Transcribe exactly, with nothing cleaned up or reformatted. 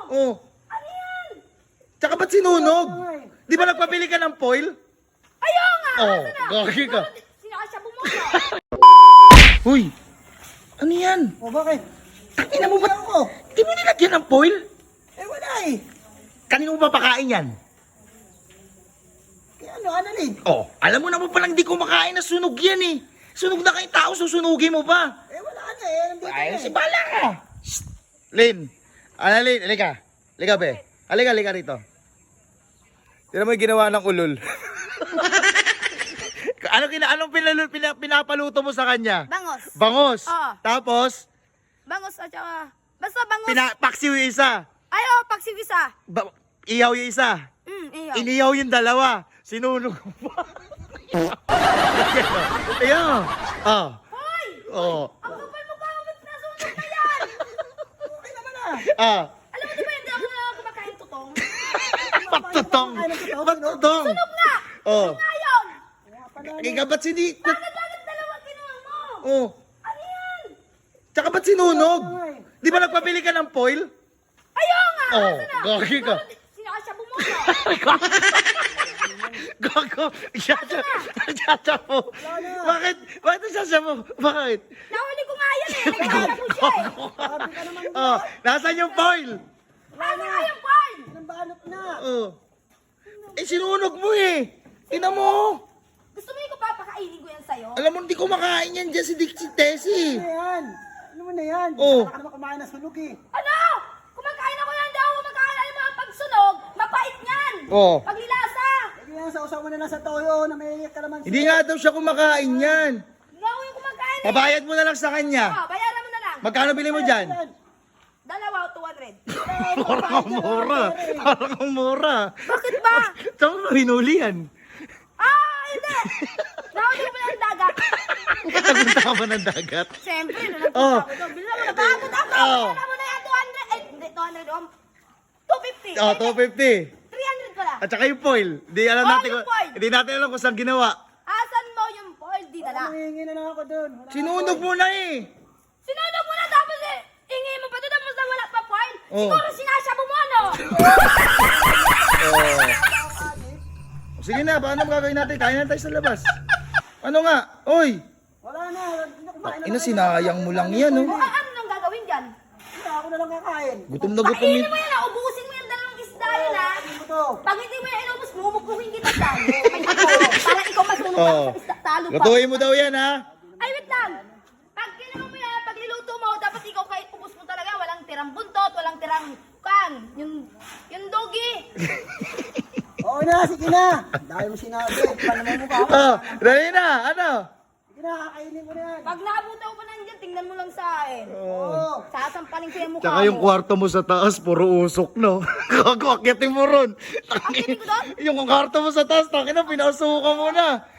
Oh. Ano yan? Tsaka ba't sinunog? Di ba nagpabili ka ng foil? Ayaw nga! Oh, Asa na? gagi ka. Sinakasyabu mo na. Uy! Ano yan? O bakit? Tangina mo ba? Ako. Di mo nilagyan ng foil? Eh wala eh. Kanino mo ba pakain yan? Kaya ano, ano rin? Oh, alam mo naman palang di ko makain na sunog yan eh. Sunog na kayong tao, susunugin mo ba? Eh wala na eh. Nandito Ay, na si eh. Bala ka! Shh! Lin! Ano, Lin? Halika. Halika, be. Halika, halika rito. Tira mo yung ginawa ng ulol. ano kina anong pinalul, pina, pinapaluto mo sa kanya? Bangos. Bangos. Oo. Tapos, Bangos at saka... Basta bangos. pina, paksiw yung isa. Ayaw, pagsig isa. Ba, ihaw yung isa. Mm, ayaw. Inihaw yung dalawa. Sinunog mo pa. Ayan. Ah. Hoy! Oh. Ang kapal mo ka, ba't nasunog na yan? Okay naman ah. Ah. Alam mo di ba hindi ako na kumakain tutong? Patutong. Ano to? Patutong. Sunog na! Oh. Ngayon! Kaya ba't sini... Bakit bakit dalawa kinuha mo? Oh. Ano yan? Tsaka ba't sinunog? Di ba nagpabili ka ng foil? Ayaw nga! Oh, Asa na? gagi ka. Sinakasyabu mo na. Gago. Siyasya. Siyasya mo. Bakit? Bakit siyasya mo? Bakit? Nahuli ko nga yan eh. Nagkakala mo siya eh. Sabi ka naman Oh, nasaan yung foil? Asa nga yung Paul? ng balot na. Oh. Eh, sinunog mo eh. Tingnan mo. Gusto mo yung ko papakainin ko yan sa'yo? Alam mo, hindi ko makain yan dyan si Dick si Tessie. Ano yan? Ano mo na yan? Oh. Saka ka naman kumain ng sunog eh. Ano? Kumakain ako yan daw. Kumakain alam mo ang pagsunog. Mapait yan. Oh. Paglilasa. Hindi yan, sausaw mo na lang sa toyo na may kalamansi. Hindi nga daw siya kumakain yan. Nga ako yung kumakain eh. Pabayad mo na lang sa kanya. Oh, bayaran mo na lang. Magkano bili mo dyan? Dalawa, two hundred. Parang ang mura. Parang ang mura. Bakit ba? Saan mo rinuli yan? Ah, hindi. Nahuli ko na ng dagat. Nagpunta ka ba ng dagat? Siyempre, nung nagpunta Oh. ako doon. Bilang mo na bagod ako. Oh. Bilang mo na yan, two hundred. Eh, hindi, two hundred. Um, two fifty. Oh, two fifty. three hundred ko lang. At saka yung foil. Hindi alam Oh, natin yung kung, foil. hindi natin alam kung saan ginawa. Asan mo yung foil? Di na lang. Nangihingi na lang ako doon. Wala Sinunog mo na eh. Sinunog mo na tapos eh. Ingi mo pa doon tapos na wala pa foil. Oh. Siguro sinasyabu mo ano? Oh. Sige na, paano gagawin natin? Kain na tayo sa labas. Ano nga? Oy! Wala na. Hindi kumain na Ina, lang. sinayang mo lang yan, oh. O ano nang gagawin dyan? Hindi, ako na lang kakain. Gutom na gutom Kainin yun. mo yan ah. Ubusin mo yung dalawang isda yun ah. Ano to? Pag hindi mo yan inubos, mumukbuhin kita dyan. May ako. Para ikaw masunog Oh. ako sa isda. Talo pa. Lutuin mo daw yan, ha? Ay, wait lang. Pag kinuha mo yan, pag niluto mo, dapat ikaw kahit ubos mo talaga, walang tirang buntot, walang tirang kan. Yung, yung dogi. Oo na, sige na. Dahil mo sinabi. Paano mo mukha ako? Oh, dali na. Ano? Sige na, kakainin mo na yan. Pag naabutan ko pa nandiyan, tingnan mo lang sa akin. Oo. Sasampalin ko yung mukha Tsaka yung mo. kwarto mo sa taas, puro usok, no? Gago, akyatin mo ron. Akyatin ko doon? Yung kwarto mo sa taas, takin na, pinausukan mo na.